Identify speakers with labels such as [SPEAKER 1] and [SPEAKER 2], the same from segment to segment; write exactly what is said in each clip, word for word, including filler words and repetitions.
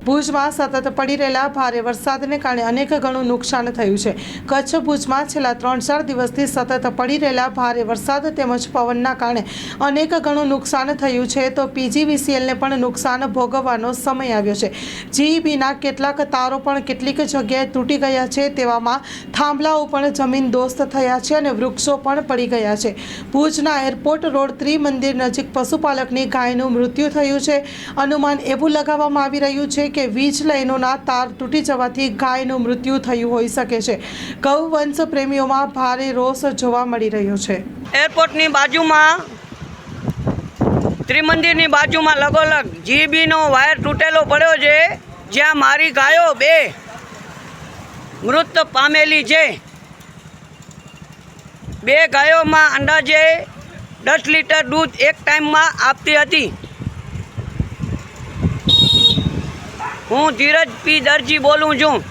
[SPEAKER 1] ભુજમાં સતત પડી રહેલા ભારે વરસાદને કારણે અનેક ગણું નુકસાન થયું છે। કચ્છ ભુજમાં છેલ્લા ત્રણ ચાર દિવસથી સતત પડી રહેલા ભારે વરસાદ તેમજ પવનના કારણે અનેક ગણું નુકસાન થયું છે તો પીજીવીસીએલને પણ નુકસાન ભોગવવાનો સમય આવ્યો છે। જીઈબીના કેટલાક તારો પણ કેટલીક જગ્યાએ તૂટી ગયા છે, તેવામાં થાંભલાઓ પણ જમીન દોસ્ત થયા છે અને વૃક્ષો પણ પડી ગયા છે। ભુજના એરપોર્ટ રોડ ત્રિમંદિર નજીક પશુપાલકની ગાયનું મૃત્યુ થયું છે। અનુમાન એવું લગાવવામાં આવી રહ્યું છે કે વીજ લાઇનોના તાર તૂટી જવાથી ગાયનું મૃત્યુ થયું હોઈ શકે છે। ગૌવંશ પ્રેમીઓમાં ભારે રોષ જોવા મળી રહ્યો છે।
[SPEAKER 2] એરપોર્ટની બાજુમાં ત્રિમંદિરની બાજુમાં લગોલગ જીબીનો વાયર તૂટેલો પડ્યો છે, જ્યાં મારી ગાયો બે મૃત પામેલી છે। બે ગાયોમાં અંદાજે દસ લીટર દૂધ એક ટાઈમમાં આપતી હતી। હું ધીરજ પી દરજી બોલું છું।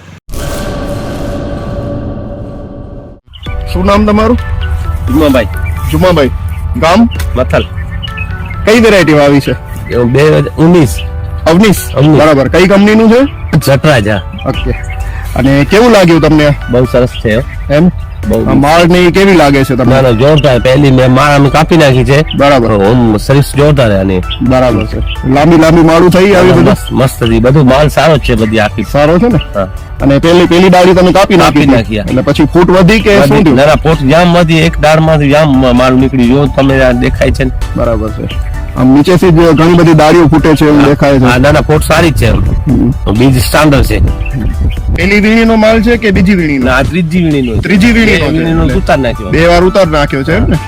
[SPEAKER 3] શું નામ તમારું?
[SPEAKER 4] જુમાભાઈ
[SPEAKER 3] જુમાભાઈ, ગામ
[SPEAKER 4] મથલ,
[SPEAKER 3] કઈ વેરાયટી આવી છે?
[SPEAKER 4] બે હજાર ઉન્નીસ
[SPEAKER 3] અવનીશ, બરાબર। કઈ કંપનીનું છે?
[SPEAKER 4] જટરાજ।
[SPEAKER 3] ઓકે, અને કેવું લાગ્યું તમને?
[SPEAKER 4] બહુ સરસ છે
[SPEAKER 3] એમ
[SPEAKER 4] બહુ
[SPEAKER 3] માળ ની કેવી લાગે છે તમને?
[SPEAKER 4] ના ના જોરદાર, પહેલી મેં માળ અમે કાપી નાખી છે,
[SPEAKER 3] બરાબર।
[SPEAKER 4] ઓમ સર્વિસ જોરદાર આની,
[SPEAKER 3] બરાબર છે। લાંબી લાંબી માળું થઈ આવી બધું
[SPEAKER 4] મસ્ત મસ્ત હતી, બધું માલ સારો છે, બધી આખી
[SPEAKER 3] સારો છે ને?
[SPEAKER 4] હા।
[SPEAKER 3] અને પેલી પેલી ડાળી તમે કાપી નાખી
[SPEAKER 4] કાપી નાખી,
[SPEAKER 3] એટલે પછી ફૂટ વધી કે શું થયું?
[SPEAKER 4] ના ના પોટ જામ માંથી એક દાળ માંથી જામ માલ નીકળી, જો તમે આ દેખાય છે ને?
[SPEAKER 3] બરાબર છે। આમ નીચેથી જ ઘણી બધી ડાળીઓ ફૂટે છે એવું દેખાય છે।
[SPEAKER 4] હા ના ના પોટ સારી જ છે, બીજ સ્ટાન્ડર્ડ છે।
[SPEAKER 3] પેલી વીણીનો માલ છે કે બીજી વીણીનો?
[SPEAKER 4] ના આ ત્રીજી વીણીનો,
[SPEAKER 3] ત્રીજી વીણીનો છે,
[SPEAKER 4] વીણીનો
[SPEAKER 3] એટલે
[SPEAKER 4] ઉતાર નાખ્યો,
[SPEAKER 3] બે વાર ઉતાર નાખ્યો છે એમ ને?